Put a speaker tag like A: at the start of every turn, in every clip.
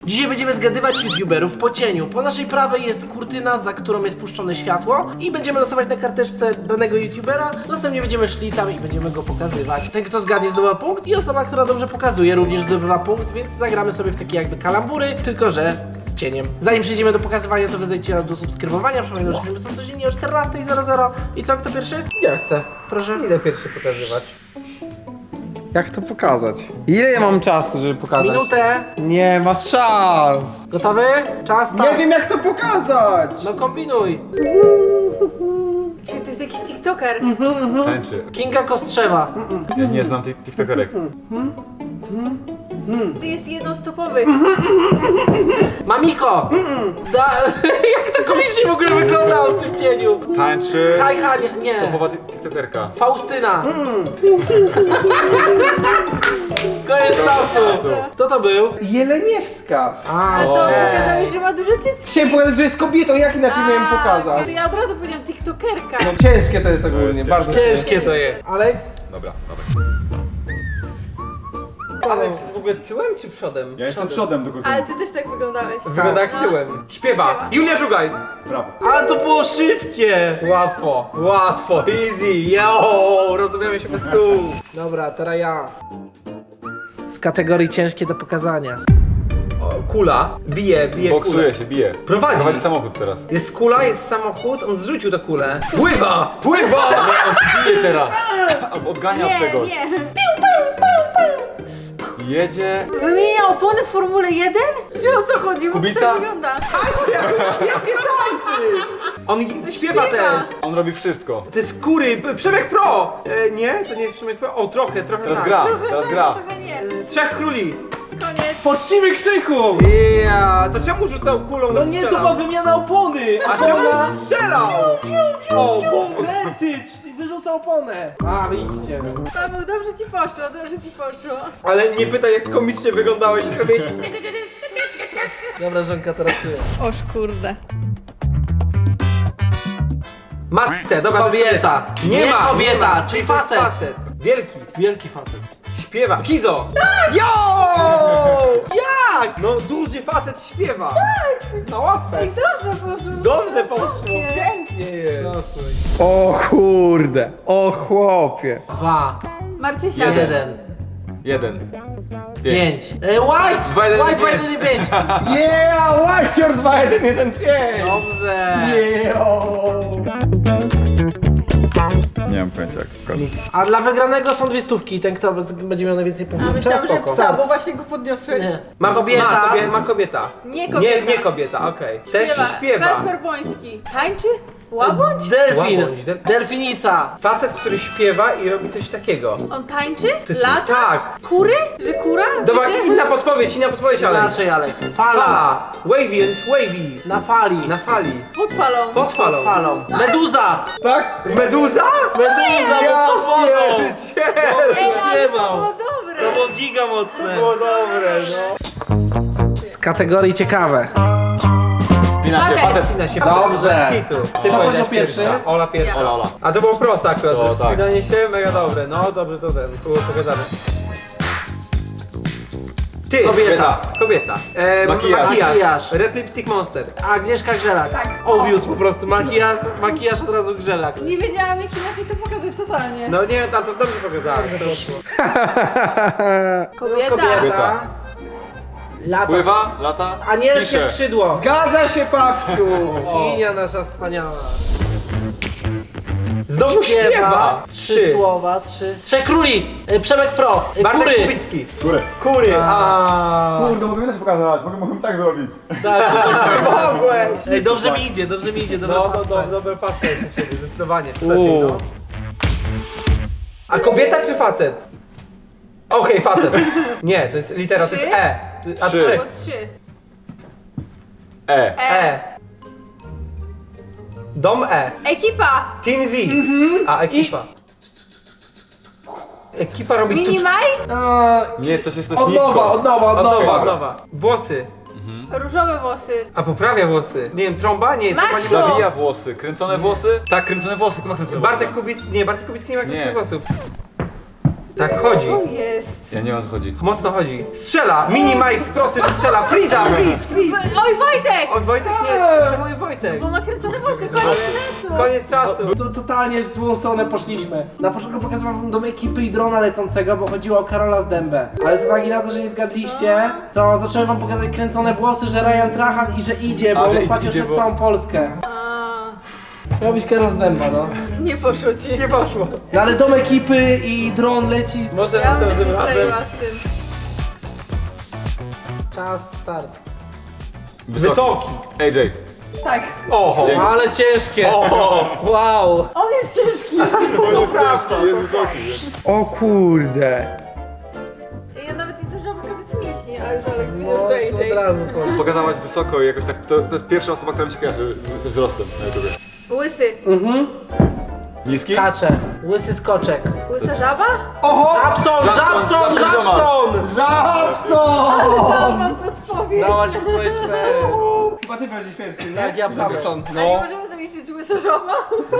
A: Dzisiaj będziemy zgadywać youtuberów po cieniu. Po naszej prawej jest kurtyna, za którą jest puszczone światło i będziemy losować na karteczce danego youtubera. Następnie będziemy szli tam i będziemy go pokazywać. Ten, kto zgadnie, zdobywa punkt i osoba, która dobrze pokazuje, również zdobywa punkt, więc zagramy sobie w takie jakby kalambury, tylko że z cieniem. Zanim przejdziemy do pokazywania, to wy zejdźcie do subskrybowania. Przypominam, że filmy są codziennie o 14:00. I co, kto pierwszy?
B: Ja chcę.
A: Proszę.
B: Idę pierwszy pokazywać. Jak to pokazać? Ile ja mam czasu, żeby pokazać?
A: Minutę.
B: Nie, masz czas.
A: Gotowy? Czas, tak.
B: Nie wiem jak to pokazać.
A: No kombinuj.
C: Czy to jest jakiś tiktoker?
D: Tańczy.
A: Kinga Kostrzewa.
D: Ja nie znam tych tiktokerek.
C: To jest jednostopowy.
A: Mamiko! Jak to komicznie w ogóle wyglądało w tym cieniu?
D: Tańczy.
A: Hajha, nie.
D: Topowa tiktokerka.
A: Faustyna. Koniec czasu. Kto to był?
B: Jeleniewska.
C: A to pokazałeś, że ma duże cycki.
B: Chciałem pokazać, że jest kobietą, jak inaczej miałem
C: To
B: pokazać?
C: ja od razu powiedziałam tiktokerka.
B: No ciężkie to jest ogólnie,
D: jest
B: bardzo
A: Ciężkie to jest. Alex?
D: Dobra, dobra.
B: Alex jest w ogóle tyłem czy przodem?
D: Ja jestem przodem do
C: Ale ty też tak wyglądałeś.
B: Wygląda jak tyłem. Śpiewa. Julia Żugaj.
D: Brawo.
A: Ale to było szybkie.
B: Łatwo, łatwo, easy, yo, rozumiemy się bez słów.
A: Dobra, teraz ja. Z kategorii ciężkie do pokazania.
B: O, kula, bije kulę.
D: Boksuje się, bije.
B: Prowadzi.
D: samochód teraz.
B: Jest kula, jest samochód, on zrzucił tę kulę. Pływa, pływa!
D: Nie, on się bije teraz. Albo odgania od
C: Nie,
D: czegoś.
C: nie.
D: Jedzie.
C: Wymienia opony w Formule 1? Że o co chodzi? Bo to
D: Kubica?
C: tak wygląda.
B: On śpiewa też.
D: On robi wszystko.
B: To jest kury, Przemek Pro! Nie, to nie jest Przemek Pro. O, trochę
D: Teraz
B: tak.
D: gra,
C: Trochę
D: teraz
C: tak,
D: gra.
C: trochę nie.
B: Trzech króli.
C: Koniec.
A: Poczcimy krzyku!
B: Ja, to czemu rzucał kulą
A: No nie, to była wymiana opony!
B: A czemu strzelał? O, bo...
A: Wyrzuca oponę! A, idźcie.
C: Paweł, dobrze ci poszło, dobrze ci poszło.
B: Ale nie pytaj jak komicznie wyglądałeś, jak robiłeś...
A: Dobra, żonka, teraz ty.
C: Oż kurde.
B: Matce, dobra, to jest
A: Kobieta.
B: Nie
A: Nie
B: ma,
A: kobieta,
B: nie ma.
A: czyli
B: To jest
A: facet.
B: Wielki.
A: Wielki facet.
B: Śpiewa. Kizo! Jo! Jak? No duży facet śpiewa. Tak! No łatwe.
C: Dobrze poszło.
B: Dobrze poszło. Pięknie jest.
A: Losuj.
B: O kurde, o chłopie.
A: 2,
C: Marcysia.
A: 1,
D: 1.
A: 5. White!
D: Dwa, jeden,
A: White,
D: pięć.
A: 1 i 5.
B: Yeah, White 2, 1, 1, 5.
A: Dobrze.
D: Nie mam pojęcia jak to pokazać.
A: A dla wygranego są 2 stówki. Ten, kto będzie miał najwięcej
C: A
A: punktów.
C: myślałam, że
A: Spoko.
C: psa, bo właśnie go podniosłeś.
A: Nie.
B: Ma
A: Kobieta.
B: Ma kobieta.
C: Nie kobieta.
B: Nie kobieta, okej. Też śpiewa.
C: Kasper Boński. Tańczy? Łabądź?
A: Delfin.
B: Łabądź,
A: Delfinica.
B: Facet, który śpiewa i robi coś takiego.
C: On tańczy?
B: jest-
C: Lata?
B: tak.
C: Kury? Że kura?
B: Dobra,
C: Wiecie?
B: inna podpowiedź, ale.
A: Inaczej, Alex. Fala.
B: Fala. Wavy, więc wavy.
A: Na fali.
B: Na fali.
C: Pod falą.
B: Pod falą.
A: Pod falą. Meduza.
B: Tak? Meduza?
A: Meduza,
B: Ja
A: bo pod wodą.
B: pierdzielę.
C: Ej, ale to
A: śpiewał.
C: było dobre.
A: To było giga mocne.
B: Było dobre, no.
A: Z kategorii ciekawe.
D: Spina się,
C: Okej.
D: facet.
B: Wspina się
A: Dobrze.
B: bez kitu. Ty
A: Kto
B: powiedziałeś
A: powiedział pierwszy?
B: pierwsza. Ola pierwsza.
D: Ola, Ola.
B: A to było proste akurat,
D: To
B: że
D: tak.
B: wspinanie się mega dobre. No dobrze, to ten, było pokazane. Ty,
A: Kobieta.
B: Kobieta.
D: Makijaż.
A: Makijaż.
B: Red Lipstick Monster.
A: Agnieszka Grzelak.
C: Tak.
A: Obvious po prostu. Makijaż od razu Grzelak.
C: Nie wiedziałam, jak inaczej to pokazać totalnie.
B: No nie, tam to dobrze pokazałem.
C: Kobieta.
D: Kobieta.
A: Lata.
D: Pływa, lata,
A: Anielskie
D: pisze.
A: skrzydło.
B: Zgadza się, Pawciu!
A: Bogini nasza wspaniała.
B: Znowu śpiewa!
A: 3 słowa, 3. Trzech króli. Przemek Pro.
B: Bartek
A: Kury.
B: Kubicki.
D: Góry.
B: Kury. A.
D: Kurde, mogę też pokazać, mogę tak zrobić.
A: Tak,
B: Mogłeś!
A: Ej, dobrze mi idzie, dobrze mi idzie. Dobra,
B: No, dobre pasy jest u ciebie, zdecydowanie. Lepiej, no. A kobieta czy facet? Okej, facet. Nie, to jest litera, to jest
C: Trzy?
B: E. A
D: Trzy.
B: trzy.
C: Bo 3.
D: E.
B: E. Dom E.
C: Ekipa.
B: Teen Z. A ekipa. Ekipa robi tu...
C: Minimaj.
D: Nie, coś jest coś
A: Od
D: nisko.
A: nowa, od nowa, od nowa.
B: Od nowa. Włosy.
C: Różowe włosy.
B: A poprawia włosy. Nie wiem, trąba? Nie, trąba nie
C: Maciu!
B: ma.
D: Zawija włosy. Kręcone włosy? Tak, kręcone włosy. Kto ma kręcone włosy?
B: Bartek Kubicki nie ma kręconych
D: Nie.
B: włosów. Tak chodzi.
C: Co jest?
D: Ja nie wiem o co chodzi.
B: Mocno chodzi. Strzela! Mini Mike z prosy strzela! Freeza! Freeze!
C: Oj, Wojtek!
B: Oj Wojtek nie! Czemu Wojtek?
C: Bo ma kręcone włosy, koniec czasu!
B: Koniec czasu.
A: To totalnie w złą stronę poszliśmy. Na początku pokazywałem wam dom ekipy i drona lecącego, bo chodziło o Karola z Dębę. Ale z uwagi na to, że nie zgadliście, to zacząłem wam pokazać kręcone włosy, że Ryan Trahan i że idzie, bo
D: A,
A: on
D: że
A: ostatnio
D: idzie,
A: szedł
D: bo-
A: całą Polskę. Miał być Karol z Dęba, no.
C: Nie poszło ci.
B: Nie poszło.
A: No ale dom ekipy i dron leci.
B: Może
C: Ja bym
B: następnym
C: się
B: razem.
C: strzeliła z tym.
A: Czas, start.
B: Wysoki.
D: AJ.
C: Tak.
B: Oho.
D: Dzięki.
A: Ale ciężkie.
B: Oho. Wow.
C: On jest ciężki.
D: On jest ciężki, jest wysoki.
B: O kurde.
C: Ja nawet nie zdążyłam pokazać mięśni, a już Alek widział,
A: No,
C: że to
A: od razu.
D: Pokazałaś wysoko i jakoś tak, to jest pierwsza osoba, która mi się kojarzy ze wzrostem na YouTubie.
C: Łysy.
D: Niski?
A: Kacze. Łysy skoczek.
C: Łysa żaba?
B: Oho.
A: Żabson!
D: Żabson,
B: Żabson!
C: Dałam wam podpowiedź.
A: Dałaś odpowiedź first.
B: Chyba ty będziesz pierwszy, nie?
A: Tak, ja
B: Żabson.
C: A nie
B: No.
C: możemy zaliczyć łysa żaba?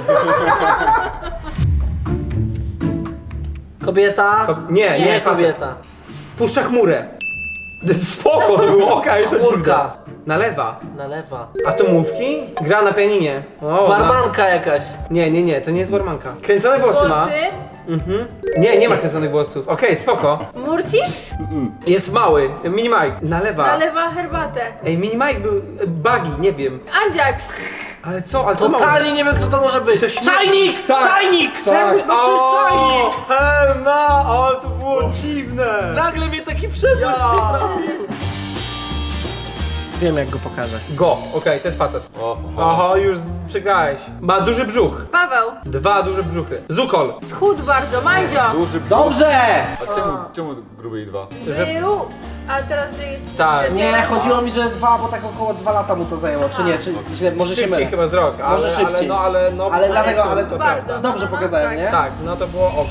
A: Kobieta.
B: Nie,
A: Nie
B: facet.
A: kobieta.
B: Puszcza chmurę. Spoko to było, okej, to
A: Chmurka.
B: dziwne. Nalewa.
A: Nalewa.
B: Atomówki? Gra na pianinie. O,
A: Barmanka jakaś.
B: Nie, to nie jest barmanka. Kręcone włosy ma.
C: Włosy?
B: Mhm. Nie ma kręconych włosów. Okej, spoko.
C: Murcik?
B: Jest mały. Mini Mike. Nalewa.
C: Nalewa herbatę.
B: Ej, Mini Mike był Buggy, nie wiem.
C: Andziaks.
B: Ale co? Ale co
A: Totalnie nie wiem kto to może być.
B: Coś nie-
A: Czajnik!
D: Tak.
A: Czajnik!
D: Tak.
A: No przecież czajnik!
B: Helna, ale to było dziwne.
A: Nagle mnie taki przebłysk się trafił. Wiem jak go pokażę.
B: Go, okej, to jest facet.
D: Oho.
B: Oho, już przegrałeś. Ma duży brzuch.
C: Paweł.
B: 2 duże brzuchy. Zukol.
C: Schudł bardzo. Mandzio.
D: Duży brzuch.
A: Dobrze!
D: A czemu gruby i 2?
C: Był. A teraz, że jest...
B: Tak.
C: przedtem.
A: Nie, chodziło mi, że 2, bo tak około 2 lata mu to zajęło, czy nie, czy źle, może się
B: Szybciej
A: mylę.
B: chyba z rok,
A: Może szybciej.
B: ale
A: Ale dlatego,
C: Ale
A: ale
C: to
A: to
C: bardzo.
A: dobrze
C: Aha,
A: pokazałem,
C: tak.
A: nie?
B: Tak, no to było ok.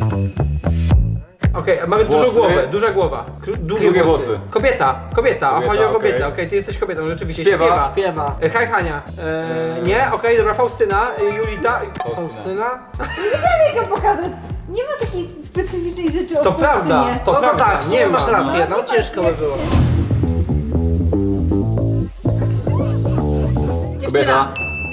B: Okej, mamy dużą
D: Włosy.
B: głowę, duża głowa. Długie
D: włosy.
B: Kobieta,
D: Kobieta,
B: chodzi o kobietę,
D: okej.
B: okej, ty jesteś kobietą, rzeczywiście,
D: Śpiewa.
A: Śpiewa.
B: Hej Hania, nie, okej, dobra, Faustyna, Julita,
A: Faustyna?
C: Nie wiedziałam jak ją pokazać. Nie ma takiej specyficznej rzeczy
B: to
C: o
B: prawda,
C: Faustynie.
B: to
A: No to
B: prawda,
A: tak,
B: nie ma.
A: masz rację, no ciężko by było.
C: Dziewczyna.
D: Kobieta.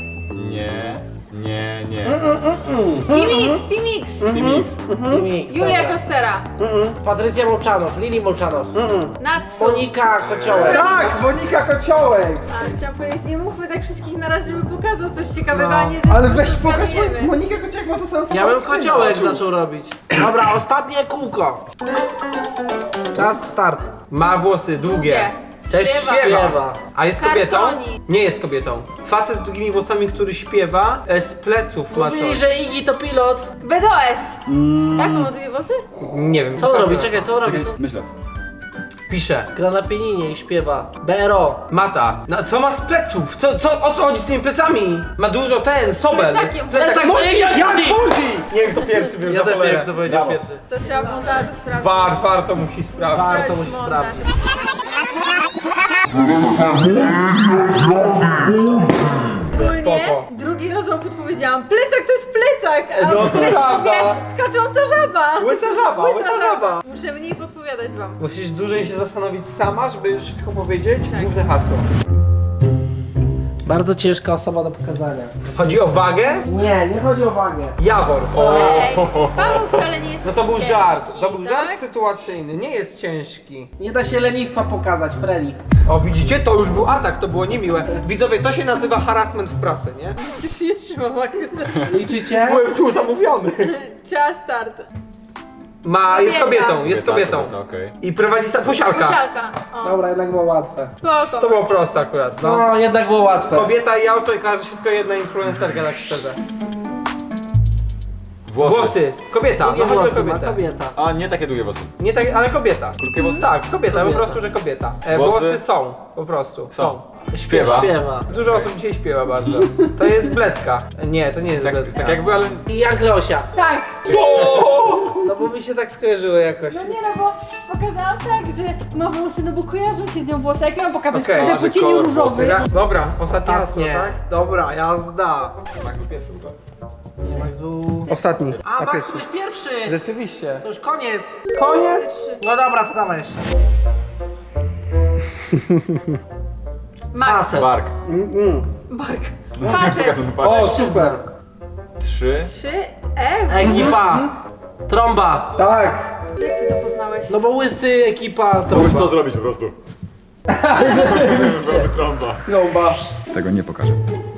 D: Nie.
C: Pimix.
D: T-Mix.
A: Mix,
C: Julia
A: dobra.
C: Kostera.
A: Patrycja Mołczanow, Lili Mołczanow.
C: Natsu.
A: Monika Kociołek.
B: Tak, Monika Kociołek!
C: A, chciałam powiedzieć, nie mówmy tak wszystkich na raz, żeby pokazał coś ciekawego,
B: No.
C: a nie, że
B: Ale
C: po
B: weź
C: prostu
B: pokaż,
C: zgadujemy.
B: Monika Kociołek ma to samo co
A: Ja bym
B: Faustyna.
A: Kociołek zaczął robić. Dobra, ostatnie kółko. Czas, start.
B: Ma włosy długie. Też
C: Śpiewa.
B: śpiewa. A jest kobietą?
C: Kartoni.
B: Nie jest kobietą. Facet z długimi włosami, który śpiewa, z pleców ma
A: Mówili,
B: coś.
A: że Iggy to pilot.
C: BDOS. Tak, on ma długie włosy?
B: Nie wiem.
A: Co on robi? Czekaj, co on robi? Co?
D: Myślę.
B: Pisze.
A: Gra na pianinie i śpiewa. BRO.
B: Mata. No, co ma z pleców? O co chodzi z tymi plecami? Ma dużo sobel.
C: Plecakiem.
A: Plecak mojej
B: Jak
A: Julii!
B: chodzi? Nie wiem, kto pierwszy był.
A: Ja
B: za
A: też nie
B: cholerę.
A: wiem kto powiedział
D: Brawo.
A: pierwszy.
C: To trzeba w montażu sprawdzić.
B: War to musi sprawdzić.
A: Warto
C: Sprawdź
A: musi
C: montaż.
A: sprawdzić.
C: Ogólnie
B: Spoko.
C: drugi raz wam podpowiedziałam. Plecak to jest plecak, a
B: No to
C: w treści
B: prawda.
C: mówię, skacząca żaba.
B: Łysa żaba.
C: Muszę mniej podpowiadać wam.
B: Musisz dłużej się zastanowić sama, żeby szybko powiedzieć
C: Tak.
B: główne hasło.
A: Bardzo ciężka osoba do pokazania.
B: Chodzi o wagę?
A: Nie chodzi o wagę.
B: Jawor.
C: Ej, Paweł wcale nie jest
B: No to był
C: ciężki,
B: żart. To był żart
C: tak?
B: sytuacyjny. Nie jest ciężki.
A: Nie da się lenistwa pokazać, Freddy.
B: O, widzicie? To już był atak, to było niemiłe. Widzowie, to się nazywa harassment w pracy, nie?
C: Przecież nie trzymam, jak jest
A: Liczycie?
B: Byłem tu zamówiony.
C: Czas start.
B: Jest
C: Kobieta.
B: kobietą, jest kobietą.
D: Kobieta, okej.
B: I prowadzi posialka.
C: Posialka. O,
A: Dobra, jednak było łatwe.
C: spoko.
B: To było proste akurat, no.
A: No, jednak było łatwe.
B: Kobieta i auto i każe się tylko jedna influencerka, tak szczerze.
D: Włosy.
B: Kobieta,
A: Długie
B: no chodzi o
A: włosy ma
B: kobietę.
A: kobieta.
D: A, nie takie długie włosy.
B: Nie tak, ale kobieta.
D: Krótkie włosy?
B: Tak, kobieta, po
A: Kobieta.
B: prostu, że kobieta.
D: Włosy?
B: Włosy są, po prostu, są.
D: Śpiewa.
A: Śpiewa.
B: Dużo osób dzisiaj śpiewa bardzo. To jest bledka. Nie, to nie jest
D: Tak,
B: bledka.
D: tak jakby, ale...
A: I Jan Kleosia.
C: Tak.
A: No bo mi się tak skojarzyło jakoś.
C: No nie no, bo pokazałam tak, że ma włosy, no bo kojarzą się z nią włosy. Jak ja mam pokazać
B: Okej.
C: okay.
D: A,
C: po
D: że
C: cieniu
D: kolor
C: różowy?
B: Dobra, ostatnie hasło,
A: Ostatnie.
B: tak? Dobra, jazda. Max był pierwszy,
A: Nie, Max był...
B: Ostatni.
A: A,
B: na
A: Max,
B: pierwszy.
A: ty byłeś pierwszy!
B: Rzeczywiście.
A: To już koniec!
B: Koniec!
A: No dobra, to dawaj jeszcze.
C: Max.
A: Facet.
D: Bark.
C: Bark.
D: No,
C: Facet.
D: pokazany
B: O,
D: bark.
B: super.
D: 3.
C: 3.
A: Ekipa. Trąba.
B: Tak.
C: Jak ty to poznałeś?
A: No bo łysy, ekipa,
D: Mogłeś
A: trąba.
D: to zrobić po prostu. Byłaby trąba.
B: Trąba.
D: Tego nie pokażę.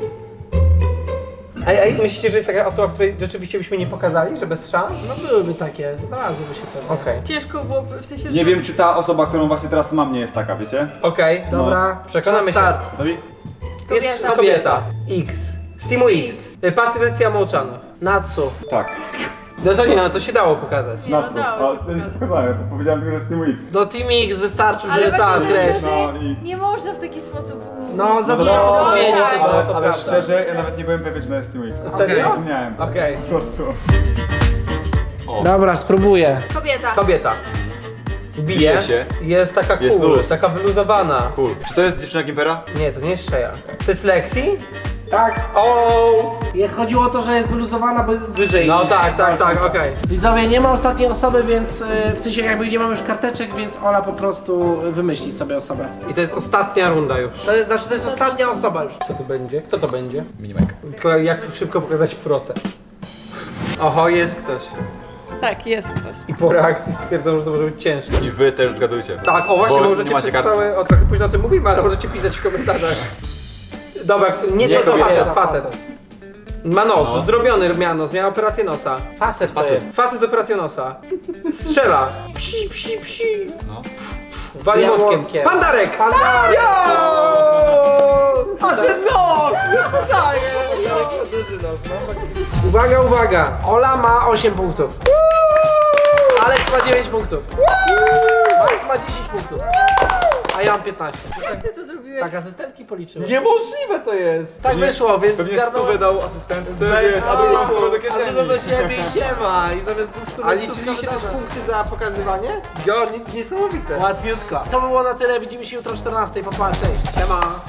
B: Ej, myślicie, że jest taka osoba, której rzeczywiście byśmy nie pokazali, że bez szans?
A: No byłyby takie, znalazłyby się pewnie.
B: Okej.
C: Ciężko byłoby, w sensie, że...
D: Nie wiem, czy ta osoba, którą właśnie teraz mam, nie jest taka, wiecie?
B: Okej.
A: Dobra,
B: Przekonamy
A: czas start.
D: Gotowi?
B: Jest
C: Kobieta.
B: kobieta. X. Z teamu X. Patrycja Mołczanow.
A: Natsu.
D: Tak.
B: No to nie, no to się dało pokazać.
C: Nie, no
D: Na co?
C: dało się
D: Ale nic
C: pokazać.
D: pokazałem, powiedziałem tylko, że jest Team X.
A: No Team X wystarczył, że
C: Ale
A: jest
C: właśnie
A: ta
C: to
A: treść.
C: jest
D: No i-
C: nie można w taki sposób...
A: No za
D: No
A: dużo
D: to-
A: podpowiedzi
C: tak.
A: to są.
B: to
D: Ale
B: prawda.
D: szczerze, ja nawet nie byłem pewien, czy to jest Team X.
B: Serio?
D: Zapomniałem.
B: Okej.
D: Po prostu.
A: Dobra, spróbuję.
C: Kobieta.
B: Kobieta. Bije.
D: Bije się.
B: Jest taka
D: Jest
B: cool,
D: luz.
B: taka wyluzowana.
D: Cool. Czy to jest dziewczyna Gimpera?
B: Nie, to nie jest Shea. To jest Lexi?
A: Tak.
B: O!
A: Chodziło o to, że jest wyluzowana, bo jest wyżej.
B: No
A: niż-
B: tak, okej.
A: Widzowie, nie ma ostatniej osoby, więc w sensie jakby nie mamy już karteczek, więc Ola po prostu wymyśli sobie osobę.
B: I to jest ostatnia runda już.
A: To jest ostatnia osoba już.
B: Co to będzie? Kto to będzie?
D: Minimek.
B: Tylko jak szybko pokazać procent. Oho, jest ktoś.
C: Tak, jest ktoś.
B: I po reakcji stwierdzam, że to może być ciężkie.
D: I wy też zgadujcie.
B: Tak, o właśnie,
D: Bo
B: możecie
D: nie macie
B: przez
D: kartki.
B: całe... O, trochę późno o tym mówimy, ale możecie pisać w komentarzach. Dobra, nie
D: Nie
B: to
D: kobieta.
B: facet. Ma nos,
D: No.
B: zrobiony miał nos, miał operację nosa.
A: Facet to
D: Facet.
A: jest.
B: Facet z operacją nosa. Strzela. Psi, psi, psi.
D: No.
B: Wali
A: Ja
B: młotkiem.
A: młotkiem.
B: Pandarek! Pandarek! A że nos! Duży nos, no. Uwaga, uwaga!
A: Ola ma 8 punktów. Alex ma 9 punktów. Max ma 10 punktów. A ja mam 15.
C: Jak ty to zrobiłeś?
A: Tak, asystentki policzyły.
B: Niemożliwe to jest!
A: Tak wyszło, więc
D: Pewnie
A: zgarnąłem-
D: stówę dał asystentce,
B: Bez-
D: a drugą stówę do
A: A dużo do
D: kieszeni.
A: siebie i siema. I zamiast 200
B: A liczyliście też punkty za pokazywanie? Ja, niesamowite.
A: Łatwiutko. To by było na tyle. Widzimy się jutro o 14. Pa, pa, cześć. Siema.